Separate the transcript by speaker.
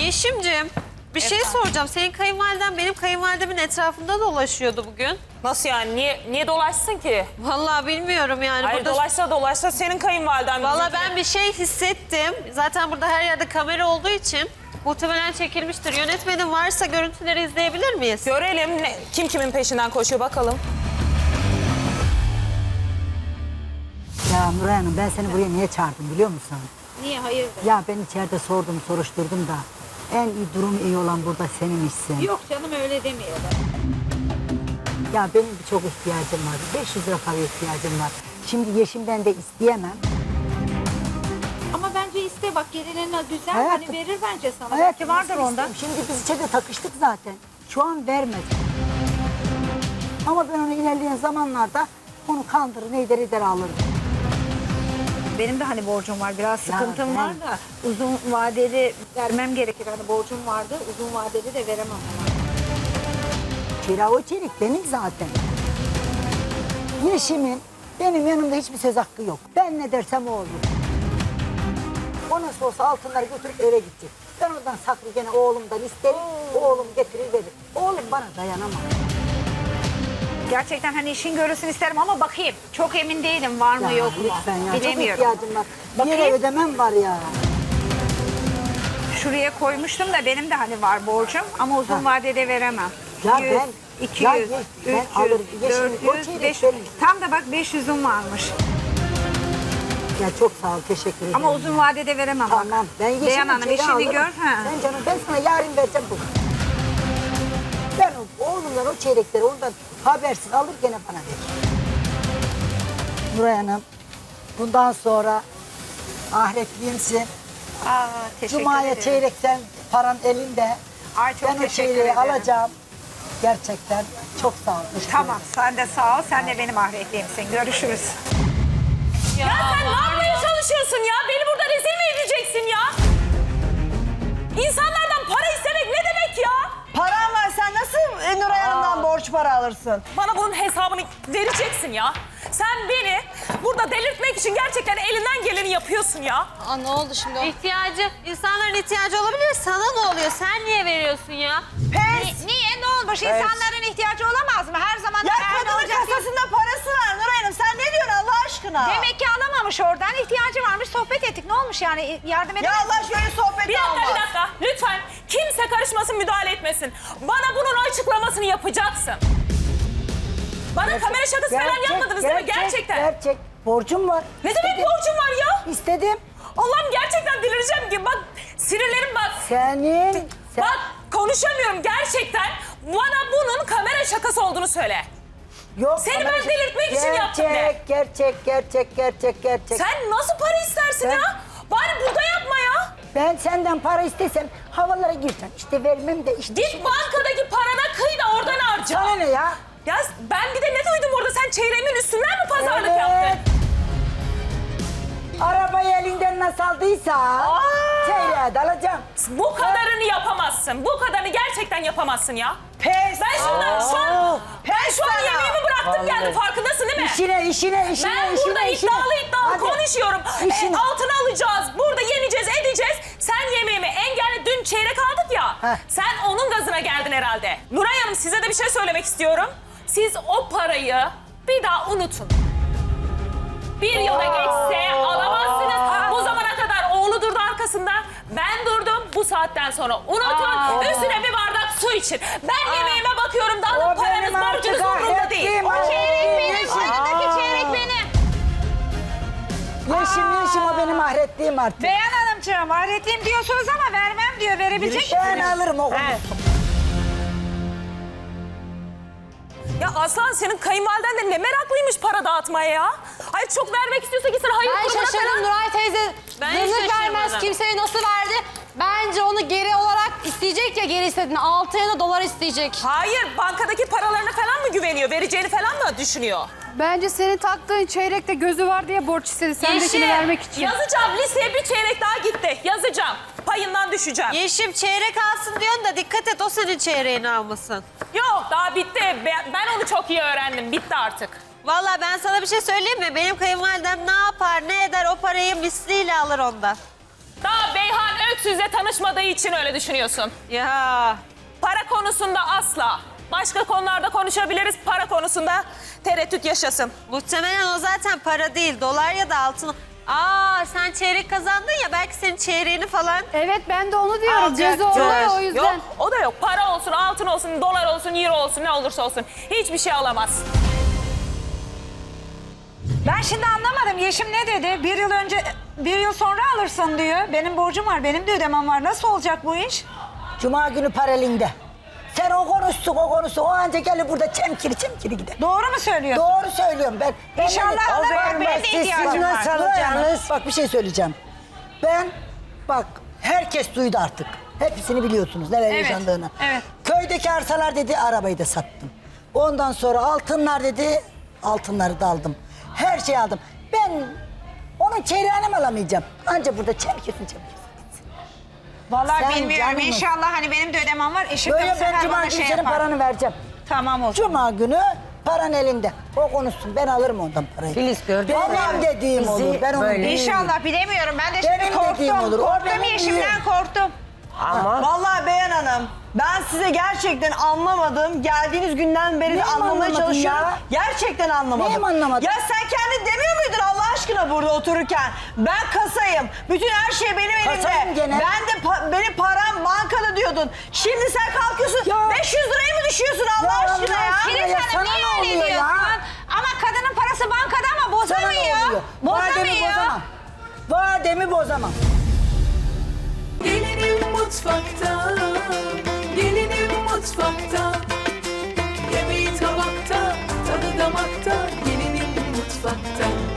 Speaker 1: Yeşim'cim bir şey soracağım. Senin kayınvaliden benim kayınvalidemin etrafında dolaşıyordu bugün.
Speaker 2: Nasıl yani? Niye dolaşsın ki?
Speaker 1: Vallahi bilmiyorum yani.
Speaker 2: Hayır
Speaker 1: burada...
Speaker 2: dolaşsa senin kayınvaliden.
Speaker 1: Vallahi ben bir şey hissettim. Zaten burada her yerde kamera olduğu için muhtemelen çekilmiştir. Yönetmenin varsa görüntüleri izleyebilir miyiz?
Speaker 2: Görelim kim kimin peşinden koşuyor bakalım.
Speaker 3: Ya Nuray Hanım ben seni buraya niye çağırdım biliyor musun?
Speaker 4: Niye hayırdır?
Speaker 3: Ya ben içeride sordum soruşturdum da en iyi durum iyi olan burada seninmişsin.
Speaker 4: Yok canım öyle demiyorlar.
Speaker 3: Ya benim çok ihtiyacım var. 500 lira para ihtiyacım var. Şimdi Yeşim'den de isteyemem.
Speaker 4: Ama bence iste bak gelinine güzel
Speaker 3: Hayatım,
Speaker 4: hani verir bence sana.
Speaker 3: Hayatım,
Speaker 4: Belki vardır
Speaker 3: nasıl
Speaker 4: onda.
Speaker 3: isteyeyim? Şimdi biz içeride takıştık zaten. Şu an vermedi. Ama ben onu ilerleyen zamanlarda onu kandırır, neyder eder alırım.
Speaker 4: Benim de hani borcum var biraz sıkıntım
Speaker 3: ben-
Speaker 4: var da uzun vadeli vermem gerekir. Hani borcum vardı uzun vadeli de veremem ama.
Speaker 3: Kira o çelik benim zaten. Yeşim'in benim yanımda hiçbir söz hakkı yok. Ben ne dersem o olur. O nasıl olsa altınları götürüp eve gidecek. Ben oradan saklı gene oğlumdan isterim. Oğlum getirir verir. Oğlum bana dayanamaz.
Speaker 4: Gerçekten hani işin görülsün isterim ama bakayım. Çok emin değilim var mı
Speaker 3: Ya
Speaker 4: yok mu?
Speaker 3: lütfen ya
Speaker 4: Bilemiyorum.
Speaker 3: çok ihtiyacım var. Bir yere
Speaker 4: Bakayım.
Speaker 3: ödemem var ya.
Speaker 4: Şuraya koymuştum da benim de hani var borcum ama uzun vadede veremem.
Speaker 3: Ya
Speaker 4: 100,
Speaker 3: ben-
Speaker 4: 200,
Speaker 3: ya
Speaker 4: 300,
Speaker 3: ben alırım. Yeşil'in o
Speaker 4: 400,
Speaker 3: çeyrek
Speaker 4: 500.
Speaker 3: benim.
Speaker 4: Tam da bak 500'üm varmış.
Speaker 3: Ya çok sağ ol teşekkür ederim.
Speaker 4: Ama uzun vadede veremem bak.
Speaker 3: Tamam ben Yeşil'in
Speaker 4: Beyhan Hanım
Speaker 3: çeyreği
Speaker 4: işini
Speaker 3: alırım.
Speaker 4: gör. Ha.
Speaker 3: Sen canım ben sana yarın vereceğim bu. Ben oğlumdan o çeyrekleri ondan habersiz alır gene bana verir. Nuray Hanım bundan sonra ahiretliyimsin.
Speaker 4: Aa, teşekkür
Speaker 3: Cuma'ya
Speaker 4: ederim.
Speaker 3: çeyrekten paran elinde.
Speaker 4: Ay, çok
Speaker 3: Ben o
Speaker 4: teşekkür
Speaker 3: çeyreği
Speaker 4: ederim.
Speaker 3: alacağım. Gerçekten çok sağ ol. teşekkür
Speaker 4: Tamam
Speaker 3: ederim.
Speaker 4: sen de sağ ol. Sen de benim ahiretliyimsin. Görüşürüz.
Speaker 2: Ya sen ne yapmaya çalışıyorsun ya? Beni burada rezil mi edeceksin ya? İnsanlardan para istemek ne demek ya?
Speaker 5: Paran var sen nasıl Nuray Hanım'dan borç para alırsın?
Speaker 2: Bana bunun hesabını vereceksin ya. Sen beni burada delirtmek için gerçekten elinden geleni yapıyorsun ya.
Speaker 1: Aa, ne oldu şimdi o? İnsanların ihtiyacı olabilir. Sana ne oluyor? Sen niye veriyorsun ya?
Speaker 5: Pes!
Speaker 4: Niye? Ne olmuş? İnsanların ihtiyacı olamaz mı? Her zaman
Speaker 5: Ya
Speaker 4: her ne
Speaker 5: kadının
Speaker 4: olacak?
Speaker 5: kasasında parası var Nuray Hanım. Sen ne diyorsun Allah aşkına?
Speaker 4: Demek ki alamamış oradan. İhtiyacı varmış. Sohbet ettik. Ne olmuş yani? Yardım
Speaker 5: Ya
Speaker 4: edemez
Speaker 5: Allah şöyle sohbet
Speaker 2: Bir dakika,
Speaker 5: olmaz.
Speaker 2: bir dakika. Lütfen kimse karışmasın, müdahale etmesin. Bana bunun açıklamasını yapacaksın. Bana kamera şakası falan yapmadınız değil mi? Gerçekten.
Speaker 3: Gerçek. Borcum var.
Speaker 2: Ne demek borcum var ya?
Speaker 3: İstedim.
Speaker 2: Allah'ım gerçekten delireceğim ki. Bak sinirlerim bak.
Speaker 3: Senin.
Speaker 2: Bak konuşamıyorum gerçekten. Bana bunun kamera şakası olduğunu söyle.
Speaker 3: Yok,
Speaker 2: Seni
Speaker 3: ama
Speaker 2: ben delirtmek için yaptım de.
Speaker 3: Gerçek.
Speaker 2: Sen nasıl para istersin
Speaker 3: Ben-
Speaker 2: ya? Bari burada yapma ya.
Speaker 3: Ben senden para istesem havalara girsen. İşte vermem de işte.
Speaker 2: Git bankadaki parana kıy da oradan harca.
Speaker 3: Sana ne ya?
Speaker 2: Ya ben bir de ne duydum orada? Sen çeyreğimin üstünden mi pazarlık
Speaker 3: Evet.
Speaker 2: yaptın?
Speaker 3: Arabayı elinden nasıl aldıysa çeyreğe de alacağım.
Speaker 2: Bu kadarını yapamazsın. Bu kadarını gerçekten yapamazsın ya.
Speaker 5: Pes!
Speaker 2: Ben şu an
Speaker 5: Pes
Speaker 2: şu an
Speaker 5: sana.
Speaker 2: yemeğimi bıraktım geldim farkındasın değil mi?
Speaker 3: İşine.
Speaker 2: Ben burada iddialı
Speaker 3: Hadi.
Speaker 2: konuşuyorum.
Speaker 3: İşine.
Speaker 2: Altın alacağız. Burada yeneceğiz, edeceğiz. Sen yemeğimi engelle. Dün çeyrek aldık ya.
Speaker 3: Heh.
Speaker 2: Sen onun gazına geldin herhalde. Nuray Hanım size de bir şey söylemek istiyorum. Siz o parayı bir daha unutun. Bir yıla geçse alamazsınız. Bu zamana kadar oğlu durdu arkasında. Ben durdum. Bu saatten sonra unutun. Üstüne bir bardak su için. Ben yemeğime bakıyorum. Daha da
Speaker 3: O
Speaker 2: paranız,
Speaker 3: benim artık
Speaker 2: borcunuz umurumda değil.
Speaker 3: ahretliğim.
Speaker 2: O çeyrek benim.
Speaker 3: Yeşim.
Speaker 2: Aradaki çeyrek benim.
Speaker 3: Yeşim o benim ahretliğim artık.
Speaker 4: Beyhan Hanımcığım ahiretliyim diyorsunuz ama vermem diyor. Verebilecek
Speaker 3: Ben
Speaker 4: misiniz?
Speaker 3: alırım o.
Speaker 2: Ya Aslan senin kayınvaliden de ne meraklıymış para dağıtmaya ya. Hayır çok vermek istiyorsa gitsin hayır
Speaker 6: Ben
Speaker 2: kurumuna
Speaker 6: şaşırdım
Speaker 2: falan.
Speaker 6: Nuray teyze.
Speaker 1: Ben
Speaker 6: Zırnık
Speaker 1: şaşırmadım.
Speaker 6: vermez kimseye nasıl verdi? Bence onu geri olarak isteyecek ya geri istediğini. 6 ya da dolar isteyecek.
Speaker 2: Hayır bankadaki paralarına falan mı güveniyor? Vereceğini falan mı düşünüyor?
Speaker 7: Bence senin taktığın çeyrekte gözü var diye borç istedi. Sendekini
Speaker 2: Yeşim,
Speaker 7: vermek için.
Speaker 2: yazacağım liseye bir çeyrek daha gitti. Yazacağım. Payından düşeceğim.
Speaker 1: Yeşim çeyrek alsın diyorsun da dikkat et o senin çeyreğini almasın.
Speaker 2: Yok daha bitti. Ben onu çok iyi öğrendim. Bitti artık.
Speaker 1: Vallahi ben sana bir şey söyleyeyim mi? Benim kayınvalidem ne yapar ne eder o parayı misliyle alır ondan.
Speaker 2: Daha Beyhan çocuk sizle tanışmadığı için öyle düşünüyorsun.
Speaker 1: Ya
Speaker 2: Para konusunda asla. Başka konularda konuşabiliriz. Para konusunda tereddüt yaşasın.
Speaker 1: muhtemelen o zaten para değil, dolar ya da altın. Aa sen çeyrek kazandın ya, belki senin çeyreğini falan.
Speaker 7: Evet ben de onu diyorum. Gözü
Speaker 1: Alacaktır.
Speaker 7: orada ya, o yüzden.
Speaker 2: Yok, o da yok. Para olsun, altın olsun, dolar olsun, euro olsun, ne olursa olsun. Hiçbir şey alamaz.
Speaker 4: Ben şimdi anlamadım. Yeşim ne dedi? Bir yıl sonra alırsın diyor. Benim borcum var, benim de ödemem var. Nasıl olacak bu iş?
Speaker 3: Cuma günü paralinde. Sen o konuşsun, o anca gelir burada çemkiri gider.
Speaker 4: Doğru mu söylüyorsun?
Speaker 3: Doğru söylüyorum ben.
Speaker 4: İnşallah alır, benim de ihtiyacım var.
Speaker 3: Bak bir şey söyleyeceğim. Bak herkes duydu artık. Hepsini biliyorsunuz neler
Speaker 4: Evet,
Speaker 3: yaşandığını.
Speaker 4: evet.
Speaker 3: Köydeki arsalar dedi, arabayı da sattım. Ondan sonra altınlar dedi, altınları da aldım. Her şeyi aldım. Ben onun çeyreğini mi alamayacağım? Anca burada çemkirsin.
Speaker 4: Vallahi
Speaker 3: Sen
Speaker 4: bilmiyorum.
Speaker 3: canım mı?
Speaker 4: İnşallah hani benim de ödemem var. Eşim de bu
Speaker 3: Böyle ben
Speaker 4: sefer
Speaker 3: cuma
Speaker 4: bana
Speaker 3: günü
Speaker 4: şey
Speaker 3: senin
Speaker 4: yapar.
Speaker 3: paranı vereceğim.
Speaker 4: Tamam olsun.
Speaker 3: Cuma günü paran elinde. O konuşsun, ben alırım ondan parayı.
Speaker 8: Filiz gördün mü?
Speaker 3: Benim dediğim
Speaker 8: Bizi
Speaker 3: olur. Ben onu
Speaker 8: böyle-
Speaker 3: bilmiyorum.
Speaker 4: İnşallah bilemiyorum. Ben de şimdi
Speaker 3: Benim dediğim
Speaker 4: korktum.
Speaker 3: olur. O
Speaker 4: Korktum
Speaker 3: benim
Speaker 4: Yeşim'den
Speaker 3: diyor.
Speaker 4: korktum.
Speaker 8: Ama
Speaker 5: Vallahi Beyhan Hanım, ben size gerçekten anlamadım. Geldiğiniz günden beri de
Speaker 3: Neyim
Speaker 5: anlamaya
Speaker 3: anlamadın
Speaker 5: çalışıyorum.
Speaker 3: ya?
Speaker 5: Gerçekten anlamadım.
Speaker 3: Neyim anlamadın?
Speaker 5: Ya sen kendin demiyor muydun Allah aşkına burada otururken? Ben kasayım. Bütün her şey benim
Speaker 3: Kasayım
Speaker 5: elimde.
Speaker 3: gene.
Speaker 5: Ben de benim param bankada diyordun. Şimdi sen kalkıyorsun.
Speaker 3: Ya.
Speaker 5: 500 lirayı mı düşüyorsun Allah
Speaker 3: Ya
Speaker 5: aşkına
Speaker 3: Allah
Speaker 5: ya?
Speaker 3: aşkına.
Speaker 4: Filiz
Speaker 3: Ya
Speaker 4: Hanım
Speaker 3: sana
Speaker 4: niye
Speaker 3: ne
Speaker 4: öyle
Speaker 3: oluyor ya?
Speaker 4: diyorsun? Ama kadının parası bankada ama
Speaker 3: Sana ne
Speaker 4: bozamıyor.
Speaker 3: oluyor? Vademi
Speaker 4: Bozamıyor.
Speaker 3: bozamam. Vademi bozamam.
Speaker 9: Gelinim mutfakta, gelinim mutfakta. Yemeği tabakta, tadı damakta. Gelinim mutfakta.